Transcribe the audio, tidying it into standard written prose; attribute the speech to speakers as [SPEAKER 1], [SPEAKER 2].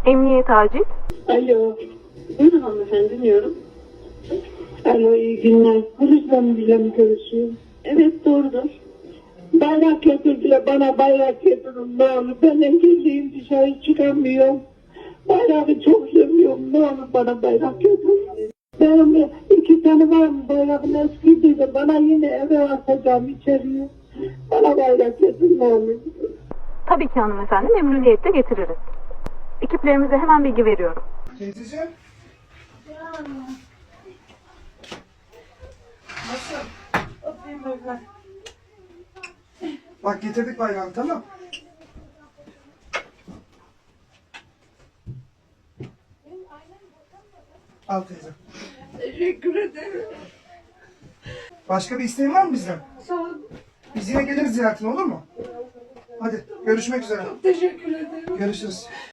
[SPEAKER 1] Emniyet acil.
[SPEAKER 2] Alo.
[SPEAKER 3] Buyurun hanımefendi, dinliyorum.
[SPEAKER 2] Alo, iyi günler. Polisle bile mi görüşüyorum?
[SPEAKER 3] Evet, doğrudur.
[SPEAKER 2] Bayrak getirdiler, bana bayrak getirin ne olur. Ben engelliyim, dışarı çıkamıyorum. Bayrağı çok seviyorum, ne olur bana bayrak getirin. Benim 2 tane var mı bayrağın eskiydi de bana yine eve atacağım içeriye. Bana bayrak getirin ne olur.
[SPEAKER 1] Tabii ki hanımefendi, memnuniyetle getiririz. Ekiplerimize hemen bilgi veriyorum.
[SPEAKER 4] Teyzeciğim. Nasıl? Bak getirdik bayrağını, tamam. Al teyze.
[SPEAKER 2] Teşekkür ederim.
[SPEAKER 4] Başka bir isteğin var mı bizden?
[SPEAKER 2] Sağ ol.
[SPEAKER 4] Biz yine geliriz ziyaretine, olur mu? Hadi görüşmek üzere.
[SPEAKER 2] Teşekkür ederim.
[SPEAKER 4] Görüşürüz.